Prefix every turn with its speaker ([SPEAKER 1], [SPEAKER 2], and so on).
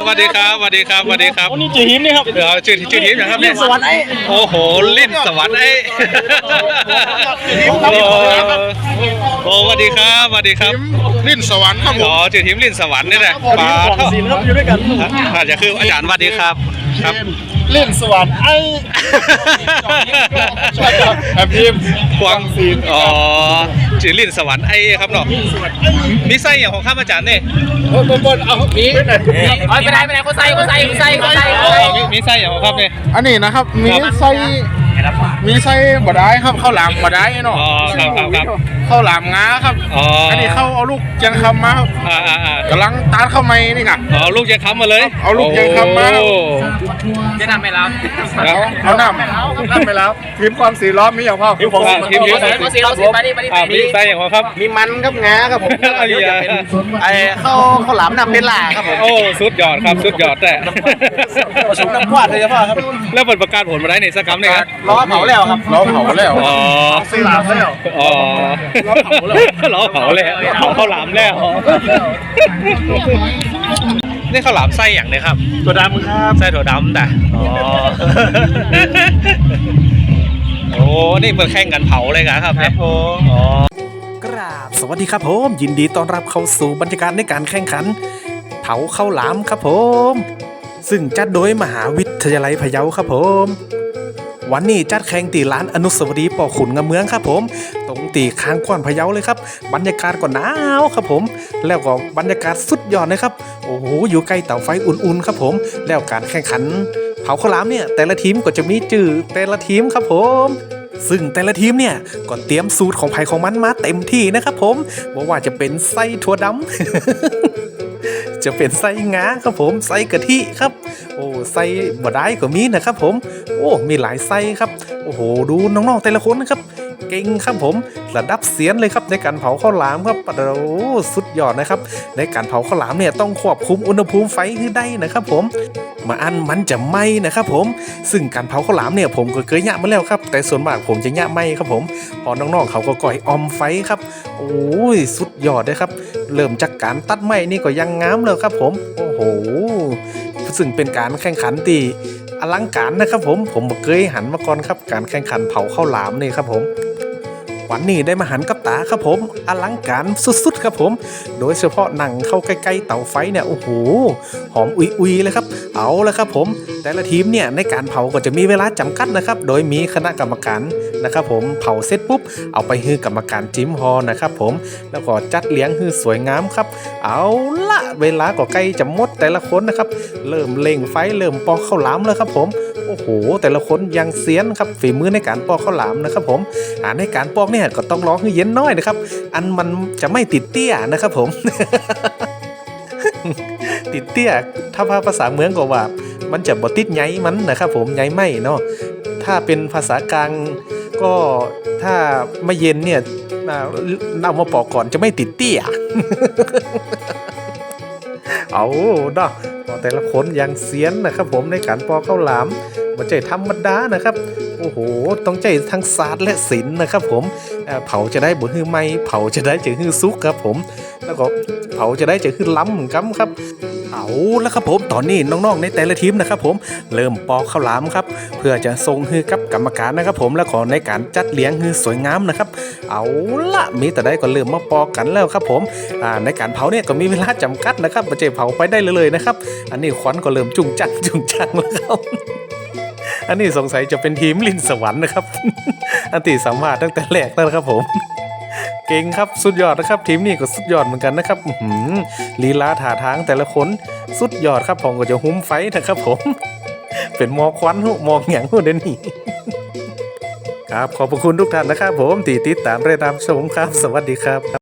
[SPEAKER 1] วัสดีครับสวัสดีครับสวัสดีครับ
[SPEAKER 2] นี่ชื่อหิมนี่ครับ
[SPEAKER 1] เดี๋ยวชื่อทีมนะครับเนี่ย
[SPEAKER 2] สวรรค์ไอ้
[SPEAKER 1] โอ้โหลิ้นสวรรค์ไอ้โอ้สวัสดีครับสวัสดีครับ
[SPEAKER 3] ลิ้นสวรรค์ครับผ
[SPEAKER 1] อ๋อ
[SPEAKER 3] ม
[SPEAKER 1] ชื่อทีมลิ้นสวรรค์นี่แหละ
[SPEAKER 2] ปลาสีครับอยู่ด้วยกัน
[SPEAKER 1] อาจจะคืออาจารย์สวัสดีครับครับ
[SPEAKER 2] ลิ้นสวรรค์ไอ้ใช่ครับแอบพิม
[SPEAKER 1] กวางอ๋อชื่อลิ้นสวรรค์ไอ้ครับเนาะมีไส้อย่างของข้าอาจารย์เนี่ย
[SPEAKER 2] บนเอามีไปไหนเขาใส่
[SPEAKER 1] มีไส้อย่างของข้าเนี่ย
[SPEAKER 3] อันนี้นะครับมีไส้บดได้ครับข้าวหลามบดได้เนาะ
[SPEAKER 1] อ๋อครับ
[SPEAKER 3] ข้าวหลามงาครับ
[SPEAKER 1] อ๋ออั
[SPEAKER 3] นนี้เข้าเอาลูกยังคำมาครับ กำลังตาดเข้าไม้นี่ค่ะ
[SPEAKER 1] อ๋อลูกยังค้ำมาเลย
[SPEAKER 3] เอาลูกยังค้ำมา
[SPEAKER 1] โอ้
[SPEAKER 2] จะนำไปแล้ว
[SPEAKER 3] เอาน้ำไปแล้วทีมความสีล้อมมีอย่างพ่อ
[SPEAKER 1] ทีม
[SPEAKER 2] เราสีมาดิ
[SPEAKER 1] มีไส้อย่างของครับ
[SPEAKER 3] มีมันครับงาครับผม
[SPEAKER 1] อะไรอ่ะ
[SPEAKER 3] ข้าวหลามน้ำเป็นหล่าครับผม
[SPEAKER 1] โอ้สุดยอดครับสุดยอดแต่
[SPEAKER 3] ผสมน้ำควาดเลยพ่อครับ
[SPEAKER 1] แล้วเปิดประกาศผลมาได้ในสักคำเนี่ยครับ
[SPEAKER 3] ล้อเผาแล้วครับล้อเผาแล้ว
[SPEAKER 1] อ๋อ
[SPEAKER 3] สีหลามแล้ว
[SPEAKER 1] อ๋อล้อเผาแล้วเผาข้าวหลามแล้วนี่ข้าวหลามไส้อย่างเนี่ยครับ
[SPEAKER 2] ตัวดำครับ
[SPEAKER 1] ไส้ถั่วดำแต่อ๋อโอ้นี่เปิดแข่งกันเผาเลยครับเนี่ยอ๋อก
[SPEAKER 4] ราบสวัสดีครับผมยินดีต้อนรับเข้าสู่บรรยากาศในการแข่งขันเผาข้าวหลามครับผมซึ่งจัดโดยมหาวิทยาลัยพะเยาครับผมวันนี้จัดแข่งตีร้านอนุสาวรีย์ป่อขุนงามเมืองครับผมตรงตีค้างกว้านพะเยาเลยครับบรรยากาศก็หนาวครับผมแล้วก็บรรยากาศสุดยอดเลยครับโอ้โหอยู่ใกล้เตาไฟอุ่นๆครับผมแล้วการแข่งขันเผาข้าวหลามเนี่ยแต่ละทีมก็จะมีจื่อแต่ละทีมครับผมซึ่งแต่ละทีมเนี่ยก็เตรียมสูตรของไผ่ของมันมาเต็มที่นะครับผมบอกว่าจะเป็นไส้ถั่วดำ จะเป็นไส้งาครับผมไส้กะทิครับโอ้ไส้บะได้ก็มีนะครับผมโอ้มีหลายไส้ครับโอ้โหดูน้องๆแต่ละคนนะครับเก่งครับผมระดับเซียนเลยครับในการเผาข้าวหลามครับโอ้สุดยอดนะครับในการเผาข้าวหลามเนี่ยต้องควบคุมอุณหภูมิไฟให้ได้นะครับผมมาอันมันจะไหม้นะครับผมซึ่งการเผาข้าวหลามเนี่ยผมก็เคยยะมาแล้วครับแต่ส่วนมากผมจะยะไหม้ครับผมพอน้องๆเขาก็ก่อยออมไฟครับโอ้ยสุดยอดเลยครับเริ่มจากการตัดไม้นี่ก็ยังงามเลยครับผมโอ้โหซึ่งเป็นการแข่งขันที่อลังการนะครับผมเคยหันมาก่อนครับการแข่งขันเผาข้าวหลามนี่ครับผมวันนี้ได้มาหันกับตาครับผมอลังการสุดๆครับผมโดยเฉพาะหนังเข้าใกล้ๆเตาไฟเนี่ยโอ้โหหอมอุยๆเลยครับเอาละครับผมแต่ละทีมเนี่ยในการเผาก็จะมีเวลาจำกัดนะครับโดยมีคณะกรรมการนะครับผมเผาเสร็จปุ๊บเอาไปให้กรรมการจิ้มฮอนะครับผมแล้วก็จัดเลี้ยงให้สวยงามครับเอาละเวลาก็ใกล้จะหมดแต่ละคนนะครับเริ่มเล่งไฟเริ่มปอกข้าวหลามแล้วครับผมโอ้โหแต่ละคนยังเซียนครับฝีมือในการปอกข้าวหลามนะครับผมในการปอกเนี่ยก็ต้องรอให้เย็นน้อยนะครับอันมันจะไม่ติดเตี้ยนะครับผม ติดเตี้ยถ้าภาษาเมืองก็ว่ามันจะบ่ติดใยมันนะครับผมใยไหมเนาะถ้าเป็นภาษากลางก็ถ้าไม่เย็นเนี่ยเอามาปอกก่อนจะไม่ติดเตี้ย เอาเนาะแต่ละคนยังเซียนนะครับผมในการปอกข้าวหลามมันใจธรรมดานะครับโอ้โหต้องใจทั้งศาสตร์และศิลป์นะครับผมเผาจะได้บ่ฮื้อไหมเผาจะได้จะฮื้อซุกครับผมแล้วก็เผาจะได้จะฮื้อล้ำกัมครับเอาแล้วครับผมตอนนี้น้องๆในแต่ละทีมนะครับผมเริ่มปอกข้าวหลามครับเพื่อจะส่งฮื้อกับกรรมการนะครับผมแล้วก็ในการจัดเลี้ยงฮื้อสวยงามนะครับเอาละมีแต่ได้ก็เริ่มมาปอกกันแล้วครับผมในการเผาเนี่ยก็มีเวลาจำกัดนะครับไม่ใช่เผาไปได้เลยนะครับอันนี้ควันก็เริ่มจุ่งจังแล้วครับอันนี้สงสัยจะเป็นทีมลิ้นสวรรค์นะครับ อันที่สามารถตั้งแต่แรกแล้วครับผมเก่งครับสุดยอดนะครับทีมนี้ก็สุดยอดเหมือนกันนะครับลีลาท่าทางแต่ละคนสุดยอดครับผมก็จะหุ้มไฟนะครับผม เป็นมอควันมองอย่างหัวเดนนี่ครับขอบคุณทุกท่านนะครับผมติดตามเรื่องตามชมครับสวัสดีครับ